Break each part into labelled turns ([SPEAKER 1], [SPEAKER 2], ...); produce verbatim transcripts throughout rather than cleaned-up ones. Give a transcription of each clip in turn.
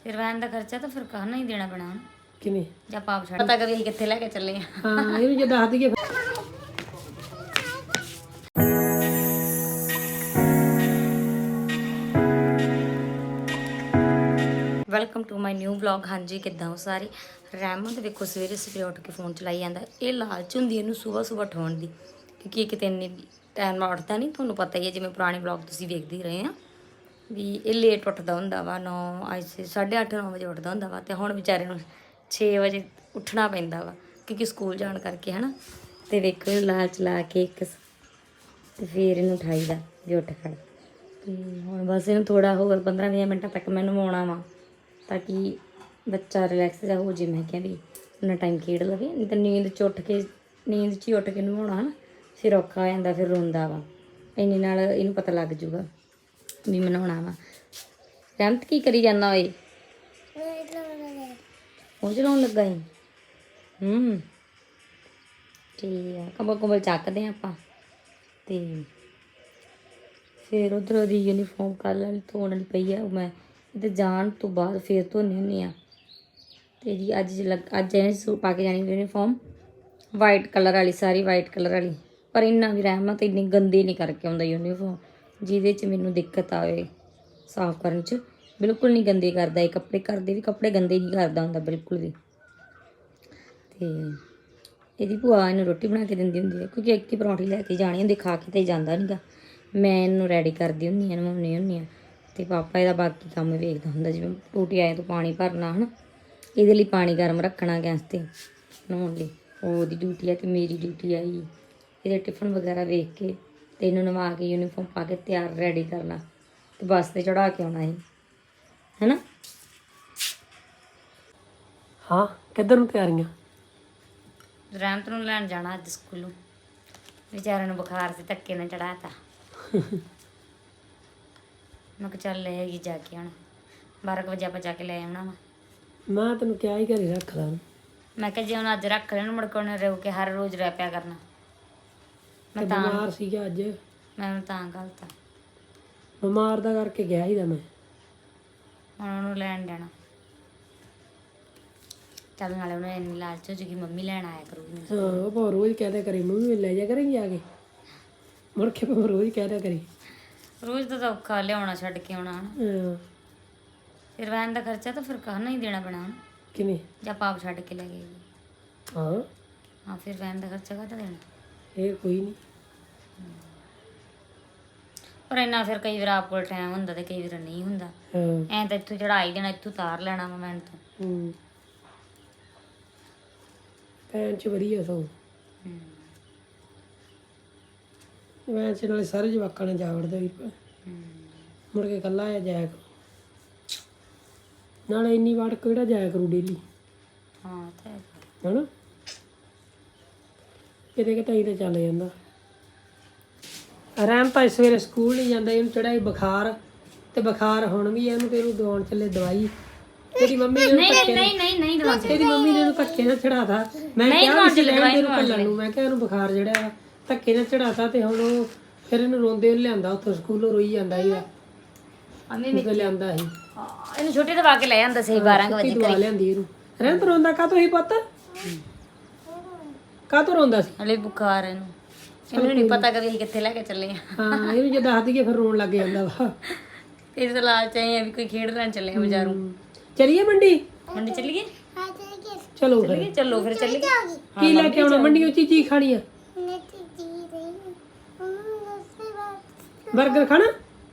[SPEAKER 1] ਫਿਰ ਵੈਨ ਦਾ ਖਰਚਾ ਤਾਂ ਫਿਰ ਕਹਾਂ ਨਹੀਂ ਦੇਣਾ ਪੈਣਾ
[SPEAKER 2] ਕਿਵੇਂ
[SPEAKER 1] ਜਾਂ ਪਾਪ ਛੱਡ ਪਤਾ ਕਰੀ ਅਸੀਂ ਕਿੱਥੇ ਲੈ ਕੇ ਚੱਲੇ ਆ
[SPEAKER 2] ਹਾਂ ਇਹਨੂੰ ਜੇ ਦੱਸ ਦਈਏ
[SPEAKER 1] welcome to my new vlog. ਹਾਂਜੀ ਕਿੱਦਾਂ ਹੋ ਸਾਰੇ। ਰਹਿਮਤ ਵੇਖੋ ਸਵੇਰੇ ਸਵੇਰੇ ਉੱਠ ਕੇ ਫੋਨ ਚਲਾਈ ਜਾਂਦਾ। ਇਹ ਲਾਲਚ ਹੁੰਦੀ ਇਹਨੂੰ ਸਵੇਰ ਸਵੇਰ ਉਠਾਉਣ ਦੀ, ਕਿਉਂਕਿ ਇਹ ਕਿਤੇ ਇੰਨੀ ਟਾਈਮ ਨਾਲ ਉੱਠਦਾ ਨਹੀਂ। ਤੁਹਾਨੂੰ ਪਤਾ ਹੀ ਹੈ, ਜਿਵੇਂ ਪੁਰਾਣੇ ਵਲੌਗ ਤੁਸੀਂ ਵੇਖਦੇ ਹੀ ਰਹੇ ਆ ਵੀ ਇਹ ਲੇਟ ਉੱਠਦਾ ਹੁੰਦਾ ਵਾ। ਨੌ ਅੱਜ ਸਾਢੇ ਅੱਠ ਨੌ ਵਜੇ ਉੱਠਦਾ ਹੁੰਦਾ ਵਾ, ਅਤੇ ਹੁਣ ਵਿਚਾਰੇ ਨੂੰ ਛੇ ਵਜੇ ਉੱਠਣਾ ਪੈਂਦਾ ਵਾ ਕਿਉਂਕਿ ਸਕੂਲ ਜਾਣ ਕਰਕੇ ਹੈ ਨਾ। ਅਤੇ ਵੇਖੋ ਇਹਨੂੰ ਲਾਲਚ ਲਾ ਕੇ ਇੱਕ ਅਤੇ ਫਿਰ ਇਹਨੂੰ ਉਠਾਈਦਾ ਵੀ ਉੱਠ ਖੜ। ਅਤੇ ਹੁਣ ਬਸ ਇਹਨੂੰ ਥੋੜ੍ਹਾ ਹੋਰ ਪੰਦਰਾਂ ਵੀਹ ਮਿੰਟਾਂ ਤੱਕ ਮੈਂ ਨਵਾਉਣਾ ਵਾ ਤਾਂ ਕਿ ਬੱਚਾ ਰਿਲੈਕਸ ਜਾ ਹੋ ਜੇ। ਮੈਂ ਕਿਹਾ ਵੀ ਉਹਨਾਂ ਟਾਈਮ ਖੇਡ ਲਵੇ, ਨਹੀਂ ਤਾਂ ਨੀਂਦ 'ਚ ਉੱਠ ਕੇ ਨੀਂਦ 'ਚ ਹੀ ਉੱਠ ਕੇ ਨਵਾਉਣਾ ਹੈ ਨਾ, ਫਿਰ ਔਖਾ ਹੋ ਜਾਂਦਾ, ਫਿਰ ਰੋਂਦਾ ਵਾ। ਇੰਨੇ ਨਾਲ ਇਹਨੂੰ ਪਤਾ ਲੱਗ ਜੂਗਾ ਵੀ ਮੈਂ ਨਹਾਉਣਾ ਵਾ। ਰਹਿਮਤ ਕੀ ਕਰੀ ਜਾਂਦਾ ਓਏ? ਉਹ ਚਲਾਉਣ ਲੱਗਾ ਸੀ। ਹੂੰ ਠੀਕ ਆ, ਕੰਬਲ ਕੁੰਬਲ ਚੱਕਦੇ ਹਾਂ ਆਪਾਂ ਅਤੇ ਫਿਰ ਉੱਧਰ ਉਹਦੀ ਯੂਨੀਫਾਰਮ ਕੱਲ੍ਹ ਵਾਲੀ ਧੋਣ ਵਾਲੀ ਪਈ ਆ, ਉਹ ਮੈਂ ਤੇ ਜਾਣ ਤੋਂ ਬਾਅਦ ਫਿਰ ਧੋਂਦੀ ਹੁੰਦੀ ਹਾਂ। ਅਤੇ ਜੀ ਅੱਜ ਲੱਗ ਅੱਜ ਇਹਨੇ ਸੂ ਪਾ ਕੇ ਜਾਣੀ ਯੂਨੀਫਾਰਮ ਵਾਈਟ ਕਲਰ ਵਾਲੀ, ਸਾਰੀ ਵਾਈਟ ਕਲਰ ਵਾਲੀ। ਪਰ ਇੰਨਾ ਵੀ ਰਹਿਮਤ ਇੰਨੀ ਗੰਦੀ ਨਹੀਂ ਕਰਕੇ ਆਉਂਦਾ ਯੂਨੀਫਾਰਮ, ਜਿਹਦੇ 'ਚ ਮੈਨੂੰ ਦਿੱਕਤ ਆਵੇ ਸਾਫ਼ ਕਰਨ 'ਚ। ਬਿਲਕੁਲ ਨਹੀਂ ਗੰਦੀ ਕਰਦਾ ਇਹ ਕੱਪੜੇ, ਕਰਦੇ ਵੀ ਕੱਪੜੇ ਗੰਦੇ ਨਹੀਂ ਕਰਦਾ ਹੁੰਦਾ ਬਿਲਕੁਲ ਵੀ। ਅਤੇ ਇਹਦੀ ਭੂਆ ਇਹਨੂੰ ਰੋਟੀ ਬਣਾ ਕੇ ਦਿੰਦੀ ਹੁੰਦੀ ਹੈ, ਕਿਉਂਕਿ ਇੱਕ ਹੀ ਪਰੌਂਠੀ ਲੈ ਕੇ ਜਾਣੀ ਹੁੰਦੀ, ਖਾ ਕੇ ਤਾਂ ਜਾਂਦਾ ਨਹੀਂ ਗਾ। ਮੈਂ ਇਹਨੂੰ ਰੈਡੀ ਕਰਦੀ ਹੁੰਦੀ ਹਾਂ, ਨਵਾਉਣੀ ਹੁੰਦੀ ਹਾਂ, ਅਤੇ ਪਾਪਾ ਇਹਦਾ ਬਾਕੀ ਕੰਮ ਵੇਖਦਾ ਹੁੰਦਾ, ਜਿਵੇਂ ਟੂਟੀ ਆਏ ਤੋਂ ਪਾਣੀ ਭਰਨਾ ਹੈ ਨਾ, ਇਹਦੇ ਲਈ ਪਾਣੀ ਗਰਮ ਰੱਖਣਾ ਗੈਸ 'ਤੇ ਨਹਾਉਣ ਲਈ, ਉਹਦੀ ਡਿਊਟੀ ਆ। ਅਤੇ ਮੇਰੀ ਡਿਊਟੀ ਆਈ ਇਹਦੇ ਟਿਫਨ ਵਗੈਰਾ ਵੇਖ ਕੇ ਅਤੇ ਇਹਨੂੰ ਨਵਾ ਕੇ ਯੂਨੀਫਾਰਮ ਪਾ ਕੇ ਤਿਆਰ ਰੈਡੀ ਕਰਨਾ ਅਤੇ ਬੱਸ 'ਤੇ ਚੜ੍ਹਾ ਕੇ ਆਉਣਾ ਸੀ, ਹੈ ਨਾ।
[SPEAKER 2] ਹਾਂ ਕਿੱਧਰ ਨੂੰ ਤਿਆਰੀਆਂ?
[SPEAKER 1] ਰਹਿਮਤ ਨੂੰ ਲੈਣ ਜਾਣਾ ਅੱਜ ਸਕੂਲੋਂ, ਵਿਚਾਰੇ ਨੂੰ ਬੁਖਾਰ ਸੀ, ਧੱਕੇ ਨਾਲ ਚੜ੍ਹਾ ਤਾ। ਮੈਂ ਕਿਹਾ ਚੱਲ ਲੈ ਆਈਏ ਜਾ ਕੇ ਹੁਣ, ਬਾਰਾਂ ਕੁ ਵਜੇ ਆਪਾਂ ਜਾ ਕੇ ਲੈ ਆਉਣਾ ਵਾ।
[SPEAKER 2] ਮੈਂ ਤੈਨੂੰ ਕਿਹਾ ਹੀ ਘਰੇ ਰੱਖ ਲਾ।
[SPEAKER 1] ਮੈਂ ਕਿਹਾ ਜੇ ਹੁਣ ਅੱਜ ਰੱਖ ਲੈਣ, ਮੁੜ ਕੇ ਉਹਨੇ ਰੋ ਕੇ ਹਰ ਰੋਜ਼ ਰਹਿ ਪਿਆ ਕਰਨਾ। ਮੈਂ ਤਾਂ
[SPEAKER 2] ਬਿਮਾਰ ਸੀਗਾ ਅੱਜ,
[SPEAKER 1] ਮੈਂ ਉਹਨੂੰ ਤਾਂ ਗਲਤ ਆ,
[SPEAKER 2] ਬਿਮਾਰ ਦਾ ਕਰਕੇ ਗਿਆ ਹੀ ਦਾ ਮੈਂ।
[SPEAKER 1] ਹੁਣ ਉਹਨੂੰ ਲੈਣ ਜਾਣਾ ਚੱਲ, ਨਾਲੇ ਉਹਨੇ ਇੰਨੀ ਲਾਲਚ ਹੋ ਜੂਗੀ ਮੰਮੀ ਲੈਣ ਆਇਆ ਕਰੂਗੀ।
[SPEAKER 2] ਹਾਂ ਉਹ ਭਾਵੇਂ ਰੋਜ਼ ਕਹਿ ਦਿਆ ਕਰੀ ਮੰਮੀ ਲੈ ਜਾ ਕਰਾਂਗੀ ਆ ਕੇ, ਮੁੜ ਕੇ ਭਾਵੇਂ ਰੋਜ਼ ਕਹਿ ਦਿਆ ਕਰੀ।
[SPEAKER 1] ਰੋਜ਼ ਦਾ ਤਾਂ ਔਖਾ ਲਿਆਉਣਾ ਛੱਡ ਕੇ ਆਉਣਾ ਹੈ ਨਾ।
[SPEAKER 2] ਹਾਂ
[SPEAKER 1] ਫਿਰ ਵੈਨ ਦਾ ਖਰਚਾ ਤਾਂ ਫਿਰ ਕਹਾਂ ਹੀ ਦੇਣਾ ਪੈਣਾ ਹੈ।
[SPEAKER 2] ਕਿਵੇਂ?
[SPEAKER 1] ਜਾਂ ਪਾਪ ਛੱਡ ਕੇ ਲੈ ਗਏ।
[SPEAKER 2] ਹਾਂ
[SPEAKER 1] ਹਾਂ ਫਿਰ ਵੈਨ ਦਾ ਖਰਚਾ ਕਾਹਦਾ ਦੇਣਾ?
[SPEAKER 2] ਇਹ ਕੋਈ ਨਹੀਂ,
[SPEAKER 1] ਪਰ ਇੰਨਾ ਫਿਰ ਕਈ ਵਾਰ ਆਪ ਕੋਲ ਟਾਈਮ ਹੁੰਦਾ ਤੇ ਕਈ ਵਾਰ ਨਹੀਂ ਹੁੰਦਾ।
[SPEAKER 2] ਹਾਂ
[SPEAKER 1] ਐਂ ਤਾਂ ਇੱਥੋਂ ਚੜਾਈ ਦੇਣਾ, ਇੱਥੋਂ ਉਤਾਰ ਲੈਣਾ ਵਾ ਵੈਨ ਤੋਂ।
[SPEAKER 2] ਹੂੰ ਭੈਣ 'ਚ ਵਧੀਆ ਸਗੋਂ, ਵੈਨ 'ਚ ਨਾਲੇ ਸਾਰੇ ਜਵਾਕਾਂ ਨੇ ਜਾ ਵੜਦਾ ਵੀ, ਮੁੜ ਕੇ ਇਕੱਲਾ ਆ ਜਾਇਆ ਕਰੂ, ਨਾਲੇ ਇੰਨੀ ਵਾਰ ਕਿਹੜਾ ਜਾਇਆ ਕਰੂ ਡੇਲੀ,
[SPEAKER 1] ਹਾਂ ਤਾਂ
[SPEAKER 2] ਹੈ ਨਾ। ਕਿਤੇ ਕਿਤੇ ਤਾਂ ਚੱਲ ਜਾਂਦਾ। ਰਹਿਮ ਤਾਂ ਸਵੇਰੇ ਸਕੂਲ ਨਹੀਂ ਜਾਂਦਾ, ਇਹਨੂੰ ਚੜ੍ਹਾਈ ਬੁਖਾਰ, ਅਤੇ ਬੁਖਾਰ ਹੁਣ ਵੀ ਇਹਨੂੰ, ਤੇ ਇਹਨੂੰ ਦਵਾਉਣ ਚੱਲੇ ਦਵਾਈ। ਤੇਰੀ ਮੰਮੀ ਨੇ
[SPEAKER 1] ਨਹੀਂ ਨਹੀਂ ਨਹੀਂ ਨਹੀਂ ਦਵਾ
[SPEAKER 2] ਤੇਰੀ ਮੰਮੀ ਨੇ ਇਹਨੂੰ ਧੱਕੇ ਨਾਲ ਚੜਾਤਾ। ਮੈਂ ਕਿਹਾ ਸੀ ਰਹਿਣ ਦੇ ਕੱਲਣ ਨੂੰ, ਮੈਂ ਕਿਹਾ ਇਹਨੂੰ ਬੁਖਾਰ ਜਿਹੜਾ ਵਾ ਧੱਕੇ ਨਾਲ ਚੜਾਤਾ, ਅਤੇ ਹੁਣ ਉਹ ਫਿਰ ਇਹਨੂੰ ਰੋਂਦੇ ਲਿਆਂਦਾ ਉੱਥੋਂ ਸਕੂਲੋਂ, ਰੋਈ ਜਾਂਦਾ ਸੀਗਾ, ਉਹ ਲਿਆਂਦਾ ਸੀ
[SPEAKER 1] ਇਹਨੂੰ ਛੋਟੀ ਦਵਾ ਕੇ ਲੈ ਜਾਂਦਾ ਸੀ ਬਾਰਾਂ ਵਜੇ
[SPEAKER 2] ਦਵਾ ਲਿਆਂਦੀ ਇਹਨੂੰ। ਰਹਿਣ ਰੋਂਦਾ ਕਾਹਤੋਂ ਸੀ ਪੁੱਤ? ਕਾਹਤੋਂ ਰੋਂਦਾ ਸੀ?
[SPEAKER 1] ਹਲੇ ਬੁਖਾਰ ਇਹਨੂੰ, ਇਹਨੂੰ ਨਹੀਂ ਪਤਾ ਕਿ ਅਸੀਂ ਕਿੱਥੇ ਲੈ ਕੇ ਚੱਲੇ ਆ।
[SPEAKER 2] ਹਾਂ ਇਹਨੂੰ ਜੇ ਦੱਸ ਦਈਏ ਫਿਰ ਰੋਣ ਲੱਗ ਜਾਂਦਾ ਵਾ।
[SPEAKER 1] ਇਹ ਤਾਂ ਲਾਲਚ ਆਏ ਆ ਵੀ ਕੋਈ ਖੇਡ ਲੈਣ ਚੱਲੇ ਆ ਬਾਜ਼ਾਰੋਂ।
[SPEAKER 2] ਚਲੀਏ ਮੰਡੀ?
[SPEAKER 1] ਮੰਡੀ ਚੱਲੀਏ?
[SPEAKER 2] ਚਲੋ ਫਿਰ,
[SPEAKER 1] ਚੱਲੀਏ ਚਲੋ ਫਿਰ ਚੱਲੀਏ।
[SPEAKER 2] ਕੀ ਲੈ ਕੇ ਆਉਣਾ ਮੰਡੀੋਂ? ਚੀਜ਼ੀ ਖਾਣੀ ਆ? ਬਰਗਰ ਖਾਣਾ?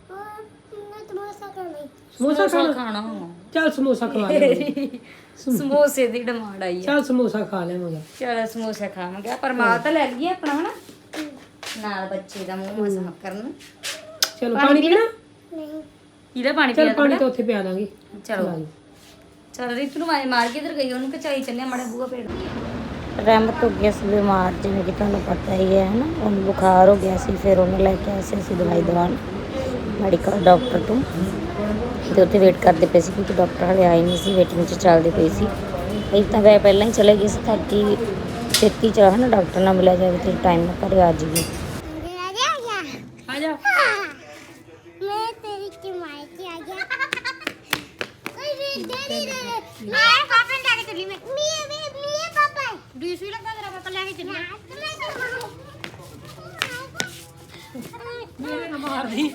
[SPEAKER 2] ਸਮੋਸਾ ਖਾਣਾ?
[SPEAKER 1] ਖਾਣਾ
[SPEAKER 2] ਚੱਲ ਸਮੋਸਾ ਖਵਾ ਲੈ।
[SPEAKER 1] ਸਮੋਸੇ ਦੀ ਡਿਮਾਂਡ ਆਈ ਆ।
[SPEAKER 2] ਚੱਲ ਸਮੋਸਾ ਖਾ ਲੈਵਾਂਗੇ।
[SPEAKER 1] ਚਲ ਸਮੋਸਾ ਖਾਵਾਂਗੇ, ਪਰ ਮਾਲ ਤਾਂ ਲੈ ਲਈਏ ਆਪਣਾ ਹਨਾ, ਨਾਲ ਬੱਚੇ ਦਾ ਮੂੰਹ ਮਸਾ ਕਰਨ।
[SPEAKER 2] ਚਲੋ ਪਾਣੀ ਪੀਣਾ?
[SPEAKER 1] ਇਹਦਾ ਪਾਣੀ
[SPEAKER 2] ਚੱਲ
[SPEAKER 1] ਪੀਣਾ
[SPEAKER 2] ਪਾਣੀ ਤਾਂ ਉੱਥੇ ਪਿਆ ਦਾਂਗੇ।
[SPEAKER 1] ਚਲੋ ਚਲ ਰੀਤੂ ਨੂੰ ਆਵਾਜ਼ ਮਾਰ ਕੇ ਇੱਧਰ ਗਈ, ਉਹਨੂੰ ਕਚਾਈ ਚੱਲਿਆ ਮਾੜਾ ਬੂਹਾ ਪੇੜ। ਰਹਿਮਤ ਹੋ ਗਿਆ ਸੀ ਬਿਮਾਰ, ਜਿਵੇਂ ਕਿ ਤੁਹਾਨੂੰ ਪਤਾ ਹੀ ਹੈ ਨਾ, ਉਹਨੂੰ ਬੁਖਾਰ ਹੋ ਗਿਆ ਸੀ। ਫਿਰ ਉਹਨੂੰ ਲੈ ਕੇ ਆਏ ਸੀ ਅਸੀਂ ਦਵਾਈ ਦਵਾਉਣ ਮੈਡੀਕਲ ਡਾਕਟਰ ਤੋਂ, ਅਤੇ ਉੱਥੇ ਵੇਟ ਕਰਦੇ ਪਏ ਸੀ ਕਿਉਂਕਿ ਡਾਕਟਰ ਹਾਲੇ ਆਏ ਨਹੀਂ ਸੀ, ਵੇਟਿੰਗ 'ਚ ਚੱਲਦੀ ਪਈ ਸੀ। ਅਸੀਂ ਤਾਂ ਵੈ ਪਹਿਲਾਂ ਹੀ ਚਲੇ ਗਏ ਸੀ ਤਾਂ ਕਿ ਛੇਤੀ ਚ ਹੈ ਨਾ ਡਾਕਟਰ ਨਾਲ ਮਿਲਿਆ ਜਾਵੇ ਅਤੇ ਟਾਈਮ ਨਾਲ ਘਰੇ ਆ ਜਾਈਏ। ਆ ਜਾ ਪਾਪਾ ਲੈ ਕੇ ਚੱਲੀ ਮੈਂ ਮੀਏ ਮੀਏ ਪਾਪਾ ਡੀਸ ਵੀ ਲੱਗਾ ਤੇਰਾ ਪਾਪਾ ਲੈ ਕੇ ਚੱਲੀ
[SPEAKER 2] ਮੇਰੇ ਨਾਲ ਮਾਰਦੀ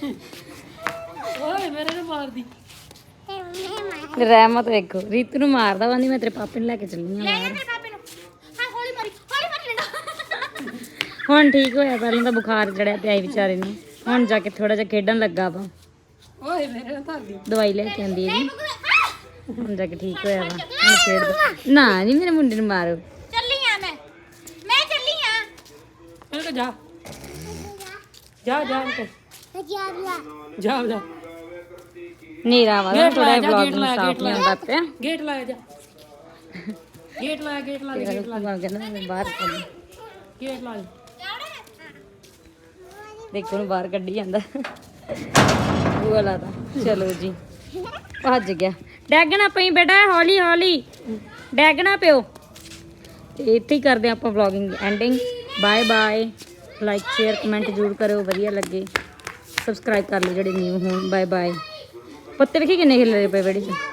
[SPEAKER 2] ਓਏ ਮੇਰੇ ਨਾਲ ਮਾਰਦੀ
[SPEAKER 1] ਰਹਿਮਤ ਵੇਖੋ ਰੀਤੂ ਨੂੰ ਮਾਰਦਾ ਵਾਂਦੀ ਮੈਂ ਤੇਰੇ ਪਾਪੇ ਨੂੰ ਲੈ ਕੇ ਚੱਲੀ ਆ ਬਾਹਰ
[SPEAKER 3] ਪਾਪੇ ਨੂੰ ਹਾਂ ਹੌਲੀ ਮਾਰੀ ਹੌਲੀ ਮਾਰੀ ਡੰਡਾ
[SPEAKER 1] ਹੁਣ ਠੀਕ ਹੋਇਆ ਪਹਿਲਾਂ ਤਾਂ ਬੁਖਾਰ ਚੜਿਆ ਪਿਆ ਸੀ ਵਿਚਾਰੇ ਨੂੰ ਹੁਣ ਜਾ ਕੇ ਥੋੜਾ ਜਿਹਾ ਖੇਡਣ ਲੱਗਾ ਵਾ
[SPEAKER 2] ਓਏ ਮੇਰੇ ਨਾਲ ਧਰਦੀ
[SPEAKER 1] ਦਵਾਈ ਲੈ ਕੇ ਆਂਦੀ ਹੈ ਹੁਣ ਜਾ ਕੇ ਠੀਕ ਹੋਇਆ ਵਾ ਹੁਣ ਖੇਡਦਾ ਨਾ ਨਹੀਂ ਮੇਰੇ ਮੁੰਡੇ ਨੂੰ ਮਾਰੋ
[SPEAKER 3] ਚੱਲੀ ਆ ਮੈਂ ਮੈਂ ਚੱਲੀ ਆ
[SPEAKER 2] ਇਹਨੂੰ ਕਹ ਜਾ ਜਾ ਜਾ ਇਹਨੂੰ ਕਹਿ। ਜਾ ਜਾ
[SPEAKER 1] ਨੀਰਾ ਵਾ
[SPEAKER 2] ਗੇਟ
[SPEAKER 1] ਥੋੜਾ
[SPEAKER 2] ਲਾਇਆ
[SPEAKER 1] ਜਿਹਾ
[SPEAKER 2] ਜਾ,
[SPEAKER 1] ਵਲੌਗ
[SPEAKER 2] ਗੇਟ
[SPEAKER 1] ਨੂੰ
[SPEAKER 2] ਲਾਇਆ,
[SPEAKER 1] ਸਾਫ
[SPEAKER 2] ਗੇਟ
[SPEAKER 1] ਨਹੀਂ ਹੁੰਦਾ ਪਿਆ
[SPEAKER 2] ਗੇਟ ਲਾਇਆ ਜਾ ਗੇਟ ਲਾਇਆ ਗੇਟ ਲਾ ਦੇ, ਗੇਟ ਲਾ ਦੇ,
[SPEAKER 1] ਕਹਿੰਦਾ ਮੈਂ ਬਾਹਰ ਕੱਢ
[SPEAKER 2] ਗੇਟ ਲਾ ਦੇ।
[SPEAKER 1] ਦੇਖੋ ਨੂੰ ਬਾਹਰ ਕੱਢੀ ਜਾਂਦਾ ਉਹ ਲਾਦਾ ਚਲੋ ਜੀ ਭੱਜ ਗਿਆ ਡੈਗਣਾ ਪਈ ਬੇਟਾ ਹੌਲੀ ਹੌਲੀ ਡੈਗਣਾ ਪਿਓ ਤੇ ਇੱਥੇ ਹੀ ਕਰਦੇ ਆਪਾਂ vlogging ending bye bye like share comment ਜ਼ਰੂਰ ਕਰਿਓ ਵਧੀਆ ਲੱਗੇ ਸਬਸਕ੍ਰਾਈਬ ਕਰ ਲਓ ਜਿਹੜੇ ਨਿਊ ਹੋਣ ਬਾਏ ਬਾਏ ਪੱਤੇ ਵੇਖੀ ਕਿੰਨੇ ਖਿਲ ਰਹੇ ਪਏ ਬੜੀ ਚ